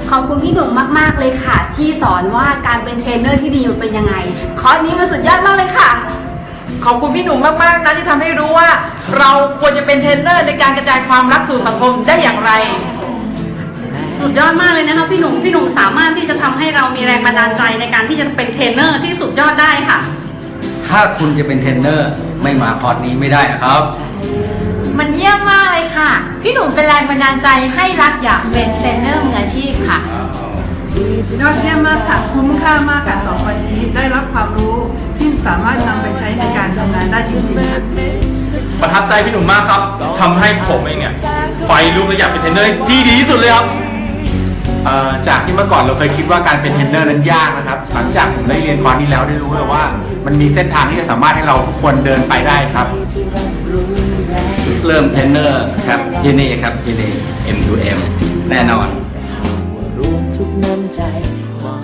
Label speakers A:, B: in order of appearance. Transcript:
A: ขอบคุณพี่หนุ่มมากๆเลยค่ะ ที่สอนว่าการเป็นเทรนเนอร์ที่ดีมันเป็นยังไงคอร์สนี้มันสุดยอดมากเลยค่ะ
B: ขอบคุณพี่หนุ่มมากๆนะที่ทำให้รู้ว่า เราควรจะเป็นเทรนเนอร์ในการกระจายความรักสู่สังคมได้อย่างไร
C: สุดยอดมากเลยนะคะพี่หนุ่มสามารถที่จะทำให้เรามีแรงบันดาลใจในการที่จะเป็นเทรนเนอร์ที่สุดยอดได้ค่ะ
D: ถ้าคุณจะเป็นเทรนเนอร์ไม่มาคอร์สนี้ไม่ได้นะครับ
A: มันเยี่ยมมากเลยค่ะพี่หนุ่มเป็นแรงบันดาลใจให้รักอยากเป็นเทรนเนอร์มืออาชีพค่ะ
E: ยอดเยี่ยมมากค่ะคุ้มค่ามากค่ะ2 วันนี้ได้รับความรู้ที่สามารถนำไปใช้ในการทำงานได้จริงๆค่ะ
F: ประทับใจพี่หนุ่มมากครับทำให้ผมเองเนี่ยไฟลุกและอยากเป็นเทรนเนอร์ที่ดีที่สุดเลยครับจากที่เมื่อก่อนเราเคยคิดว่าการเป็นเทรนเนอร์นั้นยากนะครับหลังจากผมได้เรียนคอร์สนี้แล้วได้รู้เลยว่า มันมีเส้นทางที่จะสามารถให้เราทุกคนเดินไปได้ครับ
D: เริ่มเทรนเนอร์ครับที่นี่ครับที่นี่ M2M แน่นอน
G: รวมทุกน้ำใจมอบ